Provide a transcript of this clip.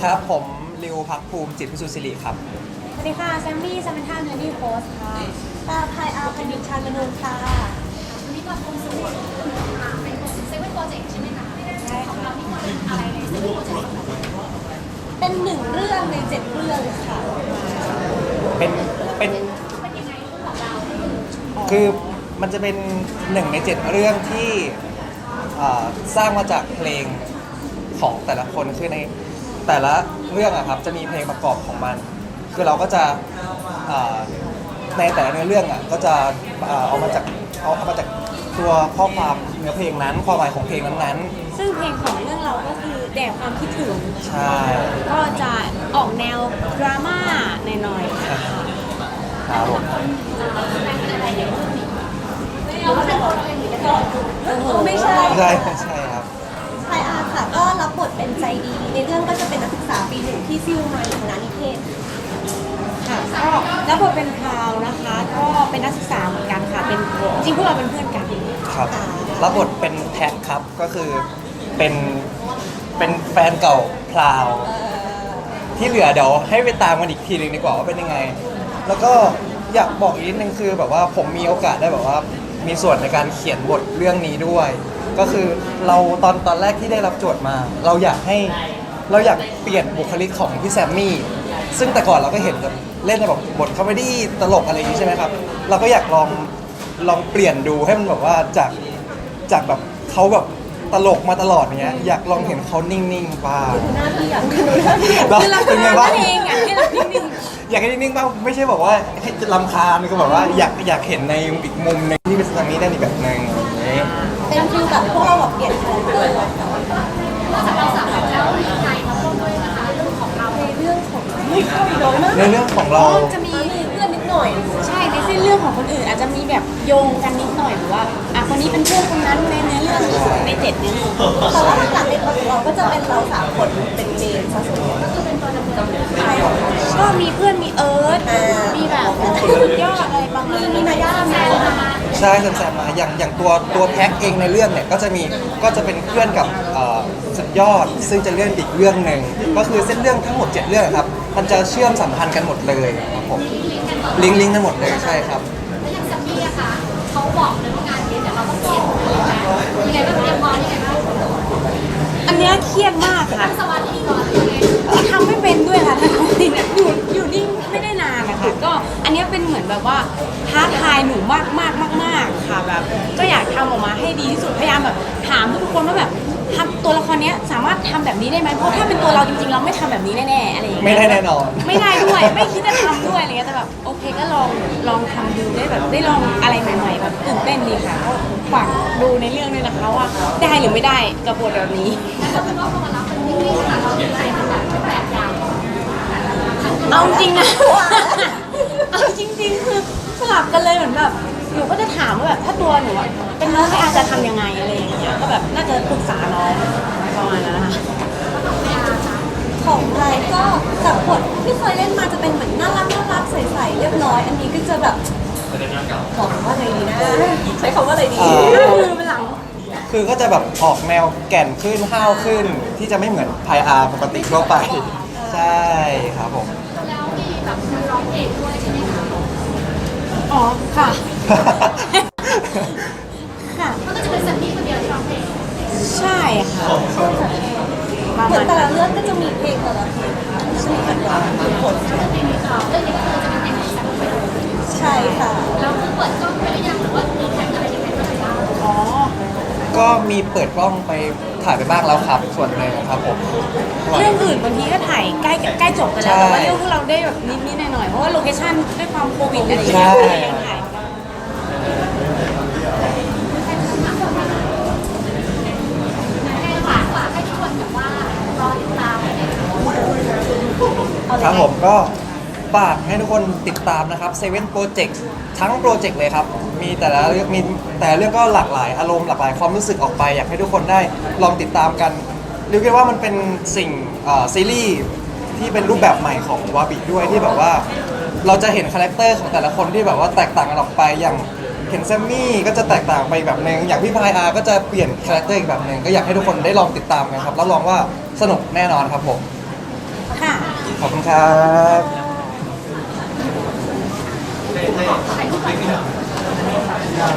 ครับผมริวภักภูมิจิตพิสุทธิ์ศิริครับสวัสดีค่ะแซมมี่ซัมเมนท่าเนอร์ดี้โพสค่ะพายอาร์พันดิชานมนูนค่ะวันนี้มาคงสมุดเป็นเซเว่นโปรเจกต์ใช่ไหมคะใช่ของค่ะเราที่เป็นอะไรในเซเว่นโปรเจกต์เป็นหนึ่งเรื่องใน7เรื่องค่ะเป็นยังไงของเราคือมันจะเป็น1 ใน 7เรื่องที่สร้างมาจากเพลงของแต่ละคนคือในแต่ละเรื่องอะครับจะมีเพลงประกอบของมันคือเราก็จะในแต่ละเนื้อเรื่องอะก็จะเอามาจากตัวข้อความเนื้อเพลงนั้นความหมายของเพลงนั้นซึ่งเพลงของเรื่องเราก็คือแด่ความคิดถึงๆใช่ก็จะออกแนวดราม่าหน่อยๆค่ะครับผมหรือว่าเป็นตัวเราเองหรือเป็นตัวไม่ใช่ใช่ใช่ครับพายอาร์ค่ะก็รับบทเป็นใจดี ในเรื่องก็จะเป็นนักศึกษาปี 1ที่ซิ่วมาอยู่คณะนิเทศค่ะก็แล้วบทเป็นพราวนะคะ ก็เป็นนักศึกษาเหมือนกันค่ะเป็นจริงพวกเราเป็นเพื่อนกันครับรับบทเป็นแท็กครับก็คือเป็นแฟนเก่าพลาวที่เหลือเดี๋ยวให้ไปตามกันอีกทีนึงดีกว่าว่าเป็นยังไงแล้วก็อยากบอกอีกนิดนึงคือแบบว่าผมมีโอกาสได้แบบว่ามีส่วนในการเขียนบทเรื่องนี้ด้วย ก็คือเราตอนแรกที่ได้รับโจทย์มา เราอยากเปลี่ยนบุคลิกของพี่แซมมี่ซึ่งแต่ก่อนเราก็เห็นแบบเล่นในแบบบทคอมเมดี้ตลกอะไรอย่างนี้ใช่ไหมครับเราก็อยากลองเปลี่ยนดูให้มันแบบว่าจากแบบเขาแบบตลกมาตลอดเงี้ยอยากลองเห็นเขานิ่งๆบ้างหน้าที่อยากดูคือเราเป็นไงบ้างเองอ่ะให้เรานิ่งอยากให้นิ่งๆบ้างไม่ใช่บอกว่าให้รำคาญก็แบบว่าอยากเห็นในอีกมุมนึงที่เป็นทางนี้ได้อีกแบบนึงอย่างนี้เป็นฟิลแบบพวกเราแบบเปลี่ยนคาแรคเตอร์นอกจากเราสามคนแล้วมีใครมาร่วมด้วยนะคะเรื่องของเราในเรื่องของไม่เข้าอีกน้อยมากในเรื่องของเราจะมีเพื่อนนิดหน่อยใช่ในเส้นเรื่องของคนอื่นอาจจะมีแบบโยงกันนิดหน่อยหรือว่าคนนี้เป็นเพื่อนคนนั้นในเนื้อเรื่องของใน7เนื้อเรื่องแต่ว่าหลักๆในตัวของเราก็จะเป็นเรา3คนเป็นเมนซะส่วนใหญ่ก็คือเป็นตัวดำเนินใช่ก็มีเพื่อนมีเอิร์ธมีแบบสุดยอดอะไรบางทีมีนาย่าแซมมาใช่แซมมาอย่างตัวแพ็คเองในเรื่องเนี่ยก็จะเป็นเพื่อนกับสุดยอดซึ่งจะเลื่อนอีกเรื่องหนึ่งก็คือเส้นเรื่องทั้งหมด7เรื่องครับมันจะเชื่อมสัมพันธ์กันหมดเลยครับผมลิงก์กันหมดเลยใช่ครับแล้วอย่างซัมมี่อะคะเขาบอกเลยว่างานนี้เดี๋ยวเราต้องเปลี่ยนเลยนะยังไงบ้างเตรียมพร้อมยังไงบ้างอันเนี้ยเครียดมากค่ะสวัสดีก่อนยังไงทำไม่เป็นด้วยค่ะทำไม่เป็นอยู่นิ่งไม่ได้นานนะคะก็อันเนี้ยเป็นเหมือนแบบว่าท้าทายหนูมากค่ะแบบก็อยากทำออกมาให้ดีที่สุดพยายามแบบถามทุกคนว่าแบบทำตัวละครเนี้ยสามารถทำแบบนี้ได้ไหมเพราะถ้าเป็นตัวเราจริงๆเราไม่ทำแบบนี้แน่ๆอะไรอย่างเงี้ยไม่ได้แน่นอนไม่ได้ด้วยไม่คิดจะทำด้วยอะไรเงี้ยแต่แบบโอเคก็ลองทำดูได้แบบได้ลองอะไรใหม่ๆแบบตื่นเต้นดีค่ะก็ฝากดูในเรื่องด้วยนะคะว่าได้หรือไม่ได้กับบทแบบนี้แล้วก็พอมารับเป็นที่นี่ค่ะเรามีอะไรเป็นแบบอย่างเอาจริงนะเอาจริงๆคือสลับกันเลยเหมือนแบบหนูก็จะถามว่าแบบถ้าตัวหนูอะเป็นน้องให้อาจจะทำยังไงอะไรอย่างเงี้ยก็แบบน่าจะปรึกษาน้องประมาณนั้นนะคะของไทยก็จากบทที่เคยเล่นมาจะเป็นเหมือนน่ารักใสๆเรียบร้อยอันนี้ก็จะแบบบอกว่าอะไรดีนะใช้คำว่าอะไรดีเป็นหลังคือก็จะแบบออกแนวแก่นขึ้นห้าวขึ้นที่จะไม่เหมือนพายอาร์ปกติทั่วไปใช่ครับผมแล้วมีแบบร้องเพลงด้วยใช่ไหมคะอ๋อค่ะค่ะมันก็จะเป็นซัมมี่คนเดียวที่ร้องเพลงใช่ค่ะเหมือนแต่ละเรื่องก็จะมีเพลงแต่ละเพลงซึ่งเป็นว่าผลเรื่องนี้ก็คือจะเป็นเพลงของซัมมี่ใช่ค่ะแล้วคือเปิดกล้องไปหรือยังหรือว่ามีแข่งอะไรยังไงบ้างอ๋อก็มีเปิดกล้องไปถ่ายไปบ้างแล้วครับส่วนหนึ่งครับผมเรื่องอื่นบางทีก็ถ่ายใกล้จบกันแล้วแต่ว่าเรื่องพวกเราได้แบบนิดหน่อยๆเพราะว่าโลเคชั่นด้วยความโควิดอะไรอย่างเงี้ยยังถ่ายให้ฝากให้ทุกคนแบบว่ารอติดตามในครับผมก็ฝากให้ทุกคนติดตามนะครับ7 Project ทั้งโปรเจกต์เลยครับมีแต่ละเรื่องก็หลากหลายอารมณ์หลากหลายความรู้สึกออกไปอยากให้ทุกคนได้ลองติดตามกันเรียกได้ว่ามันเป็นสิ่งซีรีส์ที่เป็นรูปแบบใหม่ของวาบิด้วยที่แบบว่าเราจะเห็นคาแรคเตอร์ของแต่ละคนที่แบบว่าแตกต่างกันออกไปอย่างเห็นแซมมี่ก็จะแตกต่างไปแบบนึงอย่างพี่พายอาร์ก็จะเปลี่ยนคาแรคเตอร์อีกแบบนึงก็อยากให้ทุกคนได้ลองติดตามกันครับรับรองว่าสนุกแน่นอนครับผมขอบคุณครับถ่ายรูปก่อน